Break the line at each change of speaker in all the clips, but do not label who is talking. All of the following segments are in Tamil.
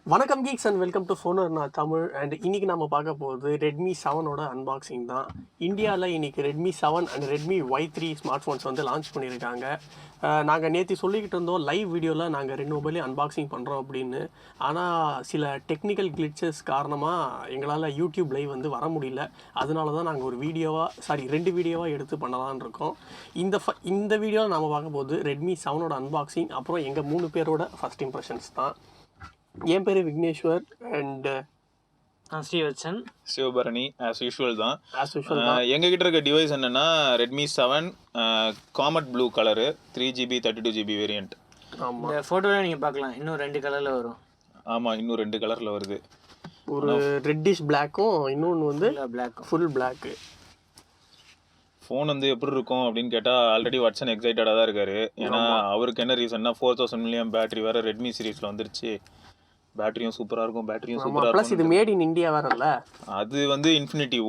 வணக்கம் geeks and welcome to Phoner நான் தமிழ். அண்ட் இன்றைக்கி நம்ம பார்க்க போகிறது ரெட்மி 7ஓட அன்பாக்சிங் தான். இந்தியாவில் இன்றைக்கி Redmi 7 and Redmi Y3 smart phones வந்து லான்ச் பண்ணியிருக்காங்க. நாங்கள் நேற்று சொல்லிக்கிட்டு இருந்தோம் லைவ் வீடியோவில் நாங்கள் 2 மொபைலையும் அன்பாக்சிங் பண்ணுறோம் அப்படின்னு. ஆனால் சில டெக்னிக்கல் கிளிச்சஸ் காரணமாக எங்களால் யூடியூப் லைவ் வந்து வர முடியல. அதனால தான் நாங்கள் ஒரு ரெண்டு வீடியோவாக எடுத்து பண்ணலான்னு இருக்கோம். இந்த வீடியோவில் நம்ம பார்க்க போது ரெட்மி 7ஓட அன்பாக்சிங், அப்புறம் எங்கள் 3 பேரோட ஃபஸ்ட் இம்ப்ரெஷன்ஸ் தான். என் பேர் Vigneshwar and
Srivatsan
Sivabarani. As usual தான்.
எங்ககிட்ட
இருக்க டிவைஸ் என்னன்னா Redmi 7 comet blue colour 3GB 32GB variant.
இந்த ஃபோட்டோவில் நீங்கள் பார்க்கலாம், இன்னும் 2 கலரில் வரும்.
ஆமாம், இன்னும் 2 கலரில் வருது.
ஒரு ரெட்டிஷ் பிளாக்கும் இன்னொன்று வந்து ஃபுல் பிளாக்கு.
ஃபோன் வந்து எப்படி இருக்கும் அப்படின்னு கேட்டால் ஆல்ரெடி வாட்சன் எக்ஸைட்டடாக தான் இருக்காரு. ஏன்னா அவருக்கு என்ன ரீசன்னா 4000 mAh பேட்டரி வேறு ரெட்மி சீரீஸில் வந்துருச்சு. பேட்டரியும் சூப்பராக இருக்கும், பேட்டரியும் சூப்பராக இருக்கும்.
இது மேட் இன் இந்தியா வேறல்ல,
அது வந்து இன்ஃபினிட்டி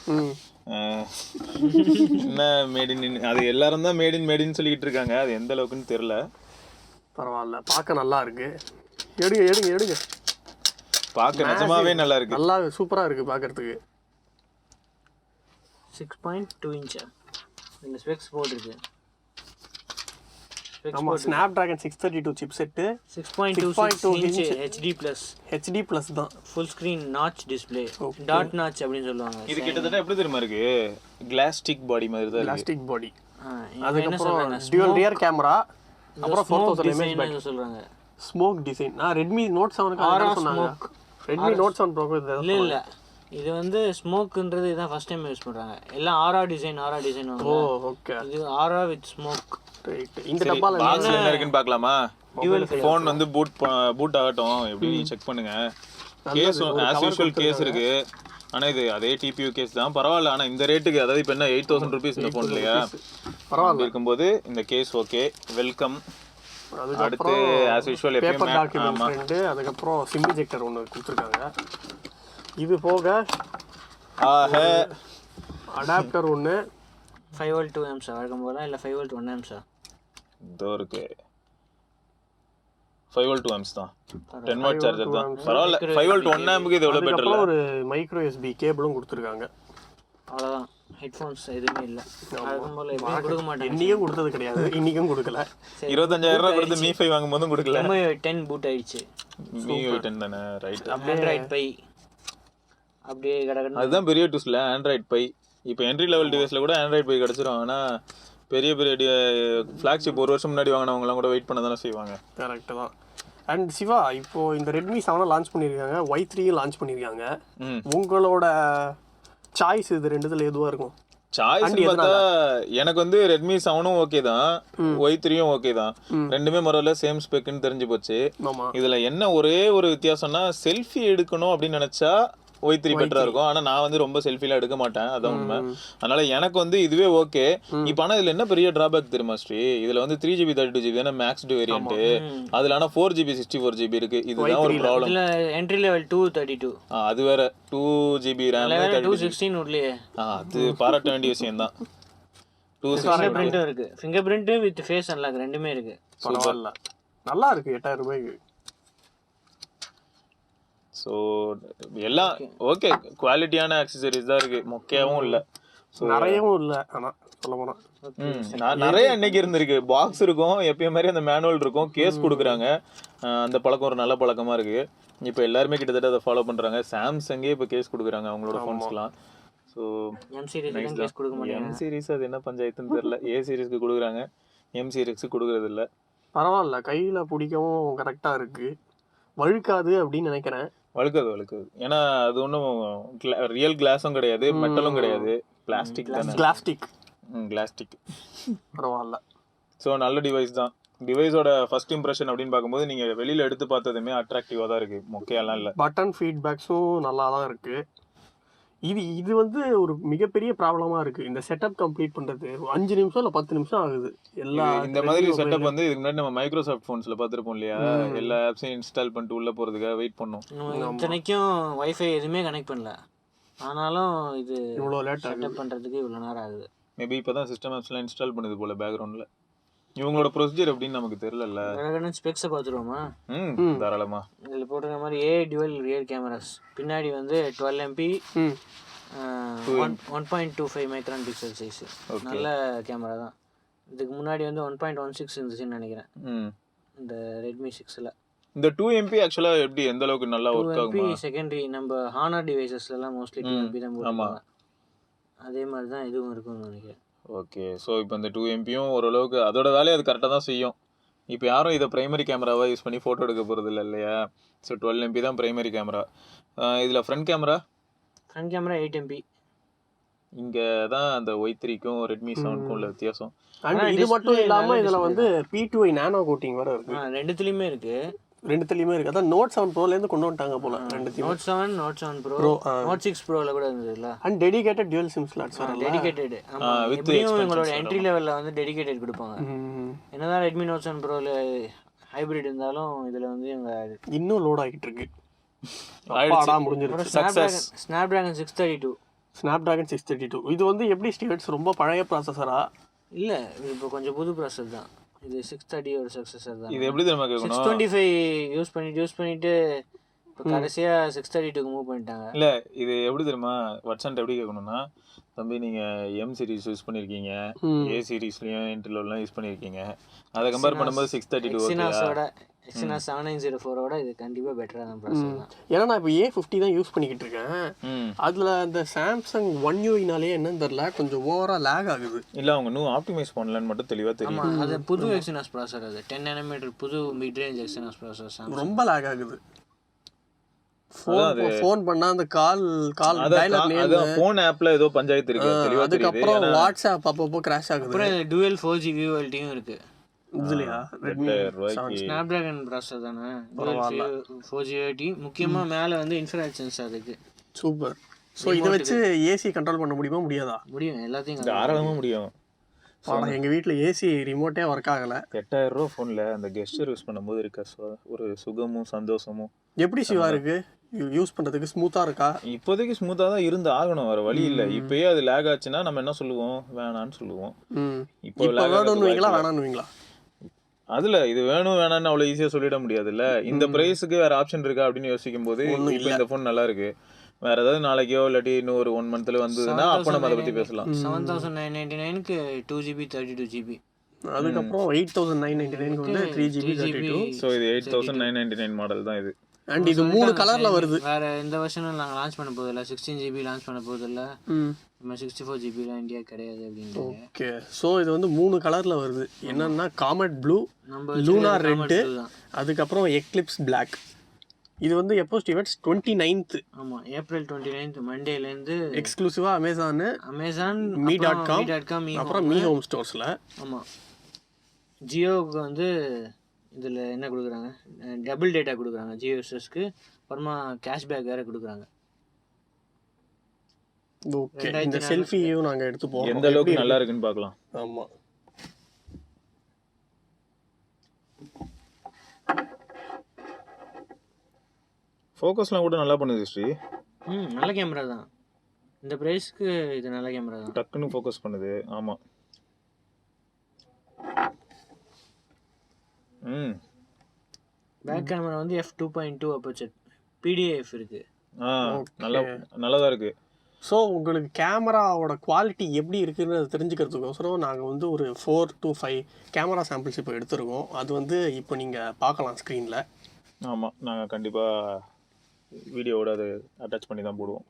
என்ன மேட் இன், அது எல்லாரும் தான் மேட் இன் சொல்லிக்கிட்டு இருக்காங்க. அது எந்த அளவுக்குன்னு தெரியல.
பரவாயில்ல, பார்க்க நல்லா இருக்கு. எடுங்க
பார்க்க நிஜமாவே நல்லா இருக்கு,
நல்லா சூப்பராக இருக்கு பார்க்கறதுக்கு.
6.2 இன்ச் இந்த ஸ்பெக்ஸ் போட்டுருக்கு.
ஆமா, Snapdragon 632 chipset,
6.2 inch HD plus
தான்.
Full screen notch display, dot notch அப்படின்னு சொல்லுவாங்க.
இது கிட்டத்தட்ட எப்படி தெரியுமா இருக்கு, கிளாஸ்டிக் பாடி மாதிரி தான்.
Glastic body. அதுக்கப்புறம் டுவல் ரியர் கேமரா, அப்புறம் 4000 mAh பேட்டரி சொல்றாங்க. Smoke design. ரெட்மி நோட் 7க்கு சொன்னாங்க. ரெட்மி நோட் 7 ப்ரோ
இல்ல இது வந்து ஸ்மோக்ன்றது இதான் ஃபர்ஸ்ட் டைம் யூஸ் பண்றாங்க. எல்லாம் ஆரா டிசைன்
ஓ ஓகே.
இது ஆரா வித் ஸ்மோக்.
இந்த டப்பால
என்ன இருக்குன்னு பார்க்கலாமா? ஃபோன் வந்து பூட் ஆகட்டும், எப்படி செக் பண்ணுங்க. கேஸ் ஆஸ் யூஷுவல் கேஸ் இருக்கு. ஆனா இது அதே டிபியூ கேஸ் தான், பரவாயில்ல. ஆனா இந்த ரேட்டுக்கு, அதாவது இப்போ என்ன 8000 rupees இந்த ஃபோன் இல்லையா, பரவாயில்ல இருக்கும்போது இந்த கேஸ் ஓகே, வெல்கம். அடுத்து ஆஸ் யூஷுவல்
பேப்பர் டாக்குமெண்ட், அதுக்கப்புறம் சிம் இஜெக்டர் ஒன்று கொடுத்துருக்காங்க. இது போக அடாப்டர் ஒன்று
5V 2 amps வழக்கம் போல, இல்லை 5V 1 amps
இதோ இருக்கு. 5V 2 amps தான், 10W சார்ஜர் தான், பரவாயில்ல. 5V 1 ampக்கு இது எவ்வளவு பெட்டர்.
ஒரு மைக்ரோ USB கேபிளும் கொடுத்துருக்காங்க.
அவ்வளோதான், ஹெட்ஃபோன்ஸ் எதுவுமே இல்லை. வழக்கம் போல எப்பயும் கொடுக்க மாட்டேன்.
இன்னைக்கும் கொடுத்தது கிடையாது, இன்னைக்கும் கொடுக்கல.
25000 கொடுத்து Mi 5 வாங்கும் போதும் கொடுக்கல.
Mi 10 பூட் ஆயிடுச்சு.
Mi 10 தானே, ரைட்.
ஆண்ட்ராய்ட் பை அப்படியே கடகடன்னு.
அதுதான் பெரிய டூஸ்ல ஆண்ட்ராய்ட் பை. இப்போ என்ட்ரி லெவல் டிவைஸ்ல கூட ஆண்ட்ராய்ட் பை கிடைச்சிரும். ஆனால் பெரிய ஃப்ளாக்ஷிப் 1 வருஷம் முன்னாடி வாங்கினவங்களாம் கூட வெயிட் பண்ண தானே செய்வாங்க.
கரெக்டு தான். அண்ட் சிவா, இப்போ இந்த ரெட்மி 7 லான்ச் பண்ணியிருக்காங்க, Y3 லான்ச் பண்ணியிருக்காங்க. உங்களோட சாய்ஸ் இது ரெண்டுத்துல எதுவாக இருக்கும்?
சாய்ஸ் பார்த்தா எனக்கு வந்து ரெட்மி 7ம் ஓகே தான், Y3யும் ஓகே தான். ரெண்டுமே மொரல சேம் ஸ்பெக்னு தெரிஞ்சு போச்சு. இதுல என்ன ஒரே ஒரு வித்தியாசம்னா, செல்ஃபி எடுக்கணும் அப்படின்னு நினைச்சா Y3 பெட்டரா இருக்கும். ஆனா நான் வந்து ரொம்ப செல்ஃபிலாம் எடுக்க மாட்டேன், அதான் உண்மை. அதனால எனக்கு வந்து இதுவே ஓகே. இப்போ ஆனா இதுல என்ன பெரிய டிராபேக் தெரியுமா ஸ்ரீ, இதுல வந்து 3GB 32GB தானே மேக்ஸ்டு வேரியன்ட். அதுல ஆனா 4GB 64GB இருக்கு. இதுதான் ஒரு ப்ராப்ளம்.
இதுல என்ட்ரி லெவல் 232,
அது வேற 2GB RAM
216 உள்ளே.
அது பாராட்ட வேண்டிய விஷயம் தான்.
216 இருக்கு, fingerprint with face unlock ரெண்டுமே இருக்கு.
பரவாயில்ல, நல்லா இருக்கு. 8000 ரூபாய்க்கு.
ஸோ எல்லாம் ஓகே, குவாலிட்டியான ஆக்சசரிஸ் தான் இருக்கு, மொக்கையாவும் இல்லை,
நிறையவும் இல்லை. ஆனால் சொல்ல போனால்
நிறைய இன்னைக்கு இருந்திருக்கு. பாக்ஸ் இருக்கும், எப்பயும் மாதிரி அந்த மேனுவல் இருக்கும், கேஸ் கொடுக்குறாங்க. அந்த பழக்கம் ஒரு நல்ல பழக்கமா இருக்கு. இப்போ எல்லாருமே கிட்டத்தட்ட அதை ஃபாலோ பண்றாங்க. சாம்சங்கே இப்போ கேஸ் கொடுக்குறாங்க அவங்களோட ஃபோன்ஸ்லாம். ஸோ எம் சீரிஸ் அது என்ன பஞ்சாயத்துன்னு தெரியல. A சீரிஸ்க்கு கொடுக்குறாங்க, M சீரிஸ்க்கு கொடுக்குறது இல்லை.
பரவாயில்ல, கையில் பிடிக்கவும் கரெக்டாக இருக்கு, வழுக்காது அப்படின்னு நினைக்கிறேன்.
வழுக்காது. ஏன்னா அது ஒன்றும் ரியல் கிளாஸும் கிடையாது, மெட்டலும் கிடையாது, பிளாஸ்டிக் தானே. கிளாஸ்டிக்.
பரவாயில்ல.
ஸோ நல்ல டிவைஸ் தான். டிவைஸோட ஃபர்ஸ்ட் இம்ப்ரெஷன் அப்படின்னு பார்க்கும்போது நீங்கள் வெளியில் எடுத்து பார்த்ததுமே அட்ராக்டிவாக தான் இருக்குது, மொக்கையெல்லாம் இல்லை.
பட்டன் ஃபீட்பேக்ஸும் நல்லா தான் இருக்குது. இது வந்து ஒரு மிகப்பெரிய ப்ராப்ளமாக இருக்குது. இந்த செட்டப் கம்ப்ளீட் பண்ணுறது 5 நிமிஷம் இல்லை 10 நிமிஷம் ஆகுது.
இந்த மாதிரி செட்டப் வந்து இதுக்கு முன்னாடி நம்ம மைக்ரோசாஃப்ட் ஃபோன்ஸில் பார்த்துருப்போம் இல்லையா, எல்லா ஆப்ஸையும் இன்ஸ்டால் பண்ணிட்டு உள்ளே போகிறதுக்காக வெயிட் பண்ணோம்.
இத்தனைக்கும் வைஃபை எதுவுமே கனெக்ட் பண்ணல, ஆனாலும் இது
இவ்வளோ லேட்
செட்டப் பண்ணுறதுக்கு இவ்வளோ நேரம் ஆகுது.
மேபி இப்போ தான் சிஸ்டம் ஆப்ஸ்லாம் இன்ஸ்டால் பண்ணுது போல் பேக்ரவுண்டில். இவங்களோட ப்ரொசீஜர் எப்படின்னு நமக்கு தெரியல.
ஸ்பெக்ஸை பார்த்துருவோமா?
தாராளமா.
இதில் போட்டிருக்க மாதிரி dual ரியர் கேமராஸ். பின்னாடி வந்து 12 MP 1.25 மைக்ரான் பிக்சல் சைஸ். நல்ல கேமரா தான். இதுக்கு முன்னாடி வந்து 1.16 இருந்துச்சுன்னு நினைக்கிறேன் இந்த ரெட்மி 6ல்.
இந்த 2MP ஆக்சுவலா எப்படி எந்த அளவுக்கு நல்லா ஒர்க் ஆகுமா?
2MP செகண்டரி நம்ம ஹானர் டிவைசஸ்லாம் மோஸ்ட்லி 2MP தான் போடுவாங்க. அதே மாதிரி தான் இதுவும் இருக்கும்னு நினைக்கிறேன்.
ஓகே, ஸோ இப்போ இந்த 2MP ஓரளவுக்கு அதோட வேலையை அது கரெக்டாக தான் செய்யும். இப்போ யாரும் இதை ப்ரைமரி கேமராவாக யூஸ் பண்ணி ஃபோட்டோ எடுக்க போகிறது இல்லை இல்லையா? ஸோ 12MP தான் ப்ரைமரி கேமரா. இதில் ஃப்ரண்ட் கேமரா
8MP.
இங்கே தான் அந்த Y3க்கும் ரெட்மி 7க்கும் உள்ள வித்தியாசம்.
அண்ட் இது மட்டும் இல்லாமல் இதில் வந்து P2i நானோ கோட்டிங் வர இருக்கு.
ரெண்டுத்துலேயுமே இருக்குது.
அதான் Note 7 Proலேருந்து கொண்டு வந்துட்டாங்க போல.
Note 7 Pro, Note 6 Proல கூட இருந்ததுல.
And dedicated dual SIM slots வரல.
டெடிகேட்டட். ஆமா, எப்படியும் உங்களோட என்ட்ரி லெவல்ல வந்து டெடிகேட்டட் கொடுப்பாங்க. என்னதான் Redmi Note 7 Proல ஹைபிரிட் இருந்தாலும் இதுல வந்து இவங்க
இன்னும் லோட் ஆகிட்டு இருக்கு. அப்பாடா முடிஞ்சிருச்சு.
சக்சஸ். Snapdragon 632. இது வந்து எப்படி ஸ்டீவர்ட்ஸ் ரொம்ப பழைய ப்ராசஸரா? இல்ல, இப்போ கொஞ்சம் புது ப்ராசஸர் தான். இது 630 ஒரு சக்சஸர் தான்.
இது எப்படி தெரியுமா கேட்கணும்?
625 யூஸ் பண்ணிட்டு இப்போ கடைசியா 632க்கு மூவ் பண்ணிட்டாங்க.
இல்ல, இது எப்படி தெரியுமா வாட்ஸ்அப் எப்படி கேட்கணும்னா, தம்பி நீங்க M சீரிஸ் யூஸ் பண்ணிருக்கீங்க, A சீரிஸ்லயும் இன்டர்லோலாம் யூஸ் பண்ணிருக்கீங்க, அதை கம்பேர் பண்ணும்போது 632 ஓகேயா?
Exynos 7904 இது கண்டிப்பா பெட்டரா தான் ப்ராசஸர் தான்.
ஏன்னா நான் இப்போ A50 தான் யூஸ் பண்ணிக்கிட்டு இருக்கேன். அதுல அந்த சாம்சங் One UI-னாலே என்னன்னு தெரியல, கொஞ்சம் ஓவரா லேக் ஆகுது.
இல்ல அவங்க இன்னும் ஆப்டிமைஸ் பண்ணலன்னு மட்டும் தெளிவா தெரியும்.
ஆமா, அது புது Exynos ப்ராசஸர். அது 10 nm புது மிட் ரேஞ்ச் Exynos ப்ராசஸர்.
ரொம்ப லேக் ஆகுது. ஃபோன் பண்ணா அந்த கால் டயலர் நேம்,
அது ஃபோன் ஆப்ல ஏதோ பஞ்சாயத்து இருக்கு தெளிவா தெரியுது.
அதுக்கு அப்புறம் வாட்ஸ்அப் அப்பப்போ கிராஷ் ஆகுது.
அப்புறம் dual 4G வியூஎல்டியும் இருக்கு.
இதுலயா ரெட்மி
ஸ்னாப்டிராகன் ப்ராசஸர் தானே, 4G வியூஎல்டி. முக்கியமா மேல வந்து இன்ஃப்ராரெட் சென்சார் இருக்கு.
சூப்பர். சோ இத வச்சு ஏசி கண்ட்ரோல் பண்ண முடியுமா? முடியாதா?
முடியும், எல்லாத்தையும்
தாராளமா முடியும்.
எங்க வீட்ல ஏசி ரிமோட்டே ஒர்க் ஆகல.
8000 ரூபாய் ஃபோன்ல அந்த கெஸ்டர் யூஸ் பண்ணும்போது இருக்க ஒரு சுகமும் சந்தோஷமும்
எப்படி சிவா இருக்கு? யூஸ் பண்றதுக்கு ஸ்மூத்தா இருக்கா?
இப்போதைக்கு ஸ்மூத்தா தான் இருந்து ஆகணும், வர வழி இல்ல. இப்பயே அது லேக் ஆச்சுன்னா நம்ம என்ன சொல்லுவோம்? வேணான்னு சொல்லுவோம்.
இப்போ வேணும்னுவீங்களா வேணாம்னுவீங்களா?
அதுல இது வேணும் வேணான்னு அவ்வளவு ஈஸியா சொல்லிட முடியாதுல்ல. இந்த பிரைஸுக்கு வேற ஆப்ஷன் இருக்கா அப்படின்னு யோசிக்கும் போது இப்போ இந்த ஃபோன் நல்லா இருக்கு. வேற ஏதாவது நாளைக்கோ இல்லாட்டி இன்னும் ஒரு 1 மந்த்ல வந்ததுன்னா அப்ப நம்ம அதை பத்தி பேசலாம்.
7999க்கு 2GB 32GB.
அதுக்கப்புறம் 8999க்கு வந்து 3GB 32.
சோ இது 8999 மாடல் தான் இது.
அண்ட் இது 3 கலர்ல வருது.
வேற இந்த வெர்ஷனும் நாங்க லான்ச் பண்ண போறதில்ல. 16GB லான்ச் பண்ண போறதில்ல. நம்ம 64GB ல இந்தியா கிடையாது அப்படின்றாங்க.
ஓகே, சோ இது வந்து 3 கலர்ல வருது. என்னன்னா காமெட் ப்ளூ, லூனா ரெட், அதுக்கு அப்புறம் எக்லிப்ஸ் Black. இது வந்து எப்போ ஸ்டீவர்ட்ஸ் 29th?
ஆமா, ஏப்ரல் 29th மண்டேல இருந்து
எக்ஸ்க்ளூசிவா அமேசான் me.com அப்புறம் மீ ஹோம் ஸ்டோர்ஸ்ல. ஆமா,
ஜியோவுக்கு வந்து இதில் என்ன கொடுக்குறாங்க, டபுள் டேட்டா கொடுக்குறாங்க ஜியோ யூசர்ஸ்க்கு. அப்புறமா கேஷ்பேக் வேறு கொடுக்குறாங்க.
ஓகே, இந்த செல்ஃபியும் நாங்கள் எடுத்து போகிறோம்,
எந்த அளவுக்கு நல்லா இருக்குன்னு பார்க்கலாம்.
ஆமாம்,
ஃபோக்கஸ்லாம் கூட நல்லா பண்ணுது ஸ்ரீ.
நல்ல கேமரா தான். இந்த ப்ரைஸ்க்கு இது நல்ல கேமரா தான்.
டக்குன்னு ஃபோக்கஸ் பண்ணுது. ஆமாம்.
பேக் கேமரா வந்து f2.2 அப்பர்ச்சர் PDAF இருக்கு.
நல்லதாக இருக்கு.
ஸோ உங்களுக்கு கேமராவோட குவாலிட்டி எப்படி இருக்குன்னு தெரிஞ்சுக்கிறதுக்கோசரம் நாங்கள் வந்து ஒரு 4 to 5 கேமரா சாம்பிள்ஸ் இப்போ எடுத்துருக்கோம். அது வந்து இப்போ நீங்கள் பார்க்கலாம் ஸ்க்ரீனில்.
ஆமாம், நாங்கள் கண்டிப்பாக வீடியோவோட அது அட்டாச் பண்ணி தான் போடுவோம்.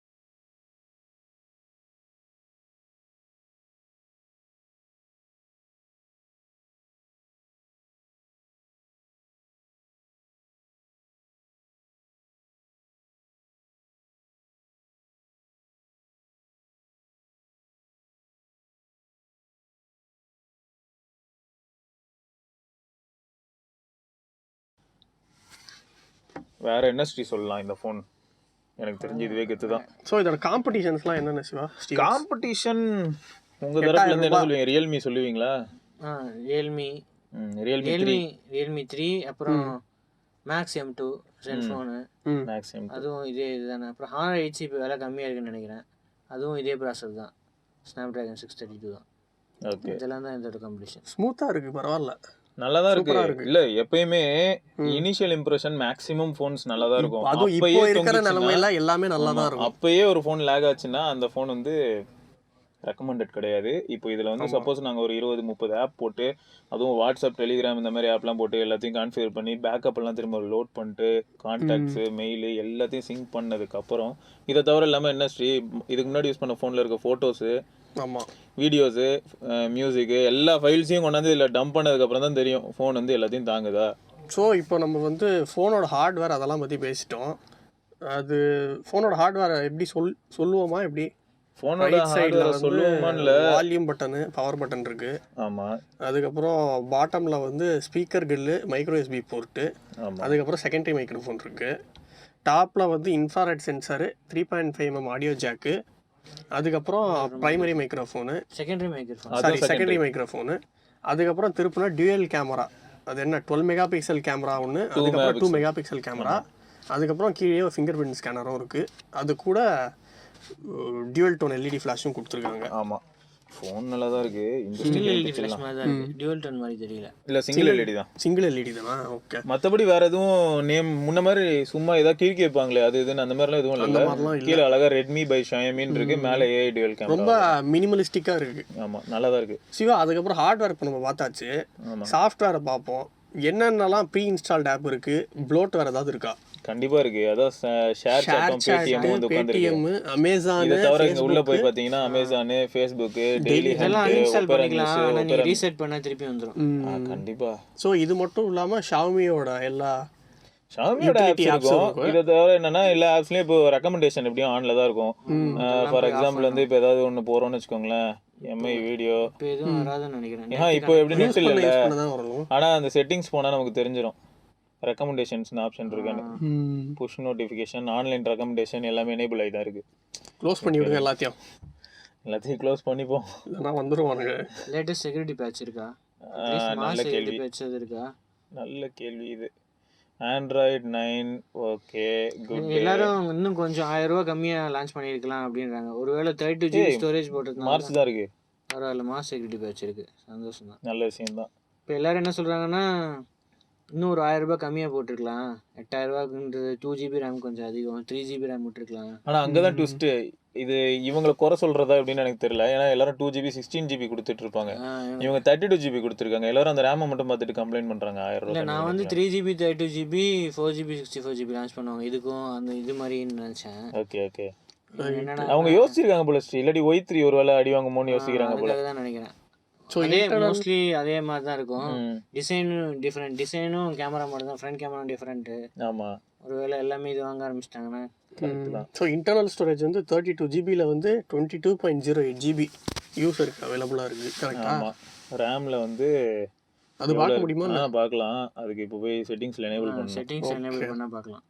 வேற என்ன ஸ்ரீ சொல்லலாம் இந்த ஃபோன்? எனக்கு தெரிஞ்சு இதுவே கெத்து தான்.
ஸோ இதோட காம்படிஷன்ஸ்லாம் என்னென்ன சிவா?
காம்படிஷன் உங்கள் தரப்புலேருந்து என்ன சொல்லுவீங்க? ரியல்மி சொல்லுவீங்களா?
ரியல்மி 3, அப்புறம் மேக்ஸ் M2 செல்ஃபோனு, அதுவும் இதே இதுதானே. அப்புறம் Honor 8 இப்போ விலை கம்மியாக இருக்குன்னு நினைக்கிறேன். அதுவும் இதே ப்ராசஸர் தான், ஸ்னாப்ட்ராகன் 632 தான்.
ஓகே
இதெல்லாம் தான் இதோட காம்படிஷன்.
ஸ்மூத்தாக இருக்குது, பரவாயில்ல.
நல்லா தான் இருக்கு. இல்ல எப்பயுமே இனிஷியல் இம்ப்ரெஷன் மேக்ஸிமம் ஃபோன்ஸ் நல்லா தான் இருக்கும்.
அதுவும் இப்போ இருக்கிற நிலைமையில எல்லாமே நல்லா தான் இருக்கும்.
அப்பயே ஒரு ஃபோன் லேக் ஆச்சுன்னா அந்த ஃபோன் வந்து ரெக்கமெண்டட் கிடையாது. இப்போ இதில் வந்து சப்போஸ் நாங்கள் ஒரு 20-30 ஆப் போட்டு, அதுவும் வாட்ஸ்அப், டெலிகிராம் இந்த மாதிரி ஆப்லாம் போட்டு எல்லாத்தையும் கான்ஃபிகர் பண்ணி பேக்கப் எல்லாம் திரும்ப லோட் பண்ணிட்டு கான்டாக்ட்ஸு, மெயிலு எல்லாத்தையும் சிங்க் பண்ணதுக்கப்புறம், இதை தவிர இல்லாமல் என்ன ஸ்ரீ இதுக்கு முன்னாடி யூஸ் பண்ண ஃபோனில் இருக்க ஃபோட்டோஸு,
ஆமாம்,
வீடியோஸு, மியூசிக்கு எல்லா ஃபைல்ஸையும் கொண்டாந்து இதில் டம்ப் பண்ணதுக்கப்புறம் தான் தெரியும் ஃபோன் வந்து எல்லாத்தையும் தாங்குதா.
ஸோ இப்போ நம்ம வந்து ஃபோனோட ஹார்ட்வேர் அதெல்லாம் பற்றி பேசிட்டோம். அது ஃபோனோட ஹார்ட்வேர் எப்படி சொல்லுவோமா எப்படி?
ஃபோனோட ஹார்ட்வேர் சொல்லுவோமான்ல
வால்யூம் பட்டனு, பவர் பட்டன் இருக்குது.
ஆமாம்.
அதுக்கப்புறம் பாட்டமில் வந்து speaker grill, micro SD port, அதுக்கப்புறம் செகண்டரி மைக்ரோஃபோன் இருக்குது. டாப்பில் வந்து infrared sensor, 3.5 mm audio jack, அதுக்கப்புறம் ப்ரைமரி மைக்ரோஃபோனு, செகண்டரி மைக்ரோஃபோனு, அதுக்கப்புறம் திருப்பினா டியூயல் கேமரா. அது என்ன 12 மெகா பிக்சல் கேமரா ஒன்று, அதுக்கப்புறம் 2 மெகா பிக்சல் கேமரா, அதுக்கப்புறம் கீழே ஃபிங்கர் பிரிண்ட் ஸ்கேனரும் இருக்குது. அது கூட டியூவல் டோன் எல்இடி ஃப்ளாஷும் கொடுத்துருக்காங்க.
ஆமாம், ஃபோன் நல்லா தான் இருக்கு.
சிங்கிள் எல்இடி ஃப்ளாஷ் மாதிரி தான் இருக்கு, டியூவல் டோன் மாதிரி தெரியல.
இல்ல சிங்கிள் எல்இடி தான்.
சிங்கிள் எல்இடி தானா? ஓகே.
மற்றபடி வேற எதுவும் நேம் முன்ன மாதிரி சும்மா ஏதாவது கிறுக்கி வைப்பாங்களே அது இதுன்னு அந்த மாதிரிலாம் எதுவும் இல்லை. கீழே அழகா ரெட்மி பை ஷாயமின்னு இருக்கு, மேலே ஏஐ டியூவல் கேமரா.
ரொம்ப மினிமலிஸ்டிக்காக இருக்கு.
ஆமாம், நல்லா தான் இருக்கு.
சிவா, அதுக்கப்புறம் ஹார்ட்வேர் இப்போ நம்ம பார்த்தாச்சு, சாஃப்ட்வேரை பார்ப்போம். என்னென்னலாம் ப்ரீ இன்ஸ்டால்ட் ஆப் இருக்கு, ப்ளோட் வேறு ஏதாவது இருக்கா?
கண்டிப்பா இருக்கு. அதான் ஷேர் சாட்டும் பேடிஎம் வந்து உட்கார்ந்திருக்கு.
அமேசான்,
இத தவிர இங்க உள்ள போய் பாத்தீங்கன்னா அமேசான், ஃபேஸ்புக், டெய்லி
இதெல்லாம் இன்ஸ்டால் பண்ணிக்கலாம். ஆனா நீ ரீசெட் பண்ணா திருப்பி வந்துரும்.
கண்டிப்பா.
சோ இது மட்டும் இல்லாம ஷாமியோட எல்லா
ஷாமியோட ஆப்ஸ் இருக்கும். இத தவிர என்னன்னா எல்லா ஆப்ஸ்லயும் இப்போ ரெக்கமெண்டேஷன் எப்படியும் ஆன்ல தான் இருக்கும். ஃபார் எக்ஸாம்பிள் வந்து இப்போ ஏதாவது ஒன்னு போறோம்னு வெச்சுக்கோங்களேன், எம்ஐ வீடியோ
இப்போ எதுவும் வராதுன்னு நினைக்கிறேன்.
இப்போ எப்படி நெட் இல்ல, ஆனா அந்த செட்டிங்ஸ் போனா நமக்கு தெரிஞ்சிரும் ரெக்கமெண்டேஷன்ஸ் ஆப்ஷன் இருக்கானு. புஷ் நோட்டிஃபிகேஷன், ஆன்லைன் ரெக்கமெண்டேஷன் எல்லாமே எனேபிள் ஆகி தான் இருக்கு.
க்ளோஸ் பண்ணி விடுங்க எல்லாத்தையும்
க்ளோஸ் பண்ணிப்போம்.
இதெல்லாம் வந்துருவானுங்க.
லேட்டஸ்ட் செக்யூரிட்டி பேட்ச் இருக்கா?
நல்ல கேள்வி.
பேட்ச் இருக்கா?
நல்ல கேள்வி இது. Android 9 okay good.
எல்லாரும் இன்னும் கொஞ்சம் 1000 ரூபாய் கம்மியா லான்ச் பண்ணிருக்கலாம் அப்படின்றாங்க. ஒருவேளை 32 GB ஸ்டோரேஜ் போட்டுருந்தாங்க.
மார்ச் தான் இருக்கு.
பரவாயில்ல, மாஸ் செக்யூரிட்டி பேட்ச் இருக்கு, சந்தோஷம் தான்.
நல்ல விஷயம் தான்.
இப்போ எல்லாரும் என்ன சொல்றாங்கன்னா, இன்னும் ஒரு 1000 ரூபாய் கம்மியாக போட்டிருக்கலாம், 8000 ரூபாய்க்குன்றது 2 GB ரேம் கொஞ்சம் அதிகம், 3 GB ரேம் விட்டுருக்கலாம்.
ஆனால் அங்கே தான் ட்விஸ்ட்டு. இது இவங்களை குறை சொல்கிறதா அப்படின்னு எனக்கு தெரியல. ஏன்னா எல்லாரும் 2 GB 16 GB கொடுத்துட்டு இருப்பாங்க, இவங்க 32 GB கொடுத்துருக்காங்க. எல்லாரும் அந்த ரேமை மட்டும் பார்த்துட்டு கம்ப்ளைண்ட் பண்ணுறாங்க 1000 ரூபாய்.
நான் வந்து 3 GB 32 GB 4 GB 64 GB launch பண்ணுவாங்க இதுக்கும் அந்த இது மாதிரின்னு நினச்சேன்.
Okay okay. அவங்க யோசிச்சிருக்காங்க போல ஸ்ரீ, இல்லாட்டி Y3 ஒரு வேலை அடி வாங்குமோன்னு யோசிக்கிறாங்க போல
தான் நினைக்கிறேன். அதே மோஸ்ட்லி அதே மாதிரி தான் இருக்கும். டிசைனும் டிஃப்ரெண்ட், டிசைனும் கேமரா மட்டும் தான், ஃப்ரண்ட் கேமரா டிஃப்ரெண்ட்டு.
ஆமாம்,
ஒருவேளை எல்லாமே இது வாங்க ஆரம்பிச்சிட்டாங்கன்னா.
ஸோ இன்டர்னல் ஸ்டோரேஜ் வந்து 32 GB வந்து 22.08 GB யூஸருக்கு அவைலபிளாக இருக்குது. கரெக்டாக.
ஆமாம், ரேமில் வந்து
அது பார்க்க முடியுமா?
பார்க்கலாம். அதுக்கு இப்போ போய் செட்டிங்ஸில் எனேபிள் பண்ணணும்.
செட்டிங்ஸ் எனேபிள் பண்ணால் பார்க்கலாம்.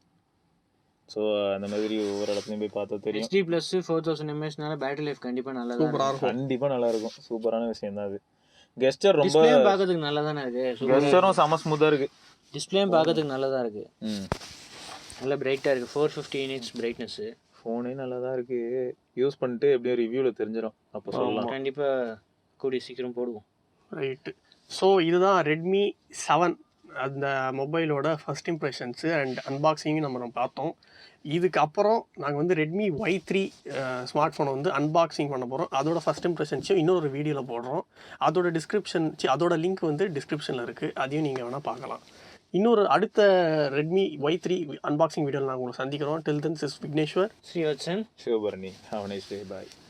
ஸோ அந்த மாதிரி ஒவ்வொரு இடத்துலையும் போய் பார்த்தா தெரியும்.
HD ப்ளஸ் 4000 mAhனால பேட்டரி லைஃப் கண்டிப்பாக நல்லா இருக்கும்.
கண்டிப்பாக நல்லா இருக்கும். சூப்பரான விஷயம் தான் அது. கெஸ்டர் ரொம்ப
பார்க்கறதுக்கு நல்லா தானே இருக்கு.
கெஸ்டரும் செம ஸ்மூத்தாக இருக்கு.
டிஸ்பிளேயும் பார்க்கறதுக்கு நல்லா தான் இருக்கு. நல்லா பிரைட்டாக இருக்குது. 450 nits பிரைட்னஸ்.
ஃபோனே நல்லா தான் இருக்கு. யூஸ் பண்ணிட்டு எப்படியும் ரிவ்யூவில் தெரிஞ்சிடும், அப்போ சொல்லலாம்.
கண்டிப்பாக கூடிய சீக்கிரம் போடுவோம்.
ரைட்டு. ஸோ இதுதான் ரெட்மி 7 அந்த மொபைலோட ஃபர்ஸ்ட் இம்ப்ரெஷன்ஸு அண்ட் அன்பாக்சிங்கும் நம்ம பார்த்தோம். இதுக்கப்புறம் நாங்கள் வந்து ரெட்மி Y3 ஸ்மார்ட் ஃபோனை வந்து அன்பாக்சிங் பண்ண போகிறோம். அதோட ஃபஸ்ட் இம்ப்ரெஷன்ஸையும் இன்னொரு வீடியோவில் போடுறோம். அதோட லிங்க் வந்து டிஸ்கிரிப்ஷனில் இருக்குது, அதையும் நீங்கள் வேணால் பார்க்கலாம். இன்னொரு அடுத்த ரெட்மி Y3 அன்பாக்சிங் வீடியோவில் நாங்கள் உங்களை சந்திக்கிறோம். Till then this Vigneshwar,
Srivatsan,
Sivabharani. Have a nice day. Bye.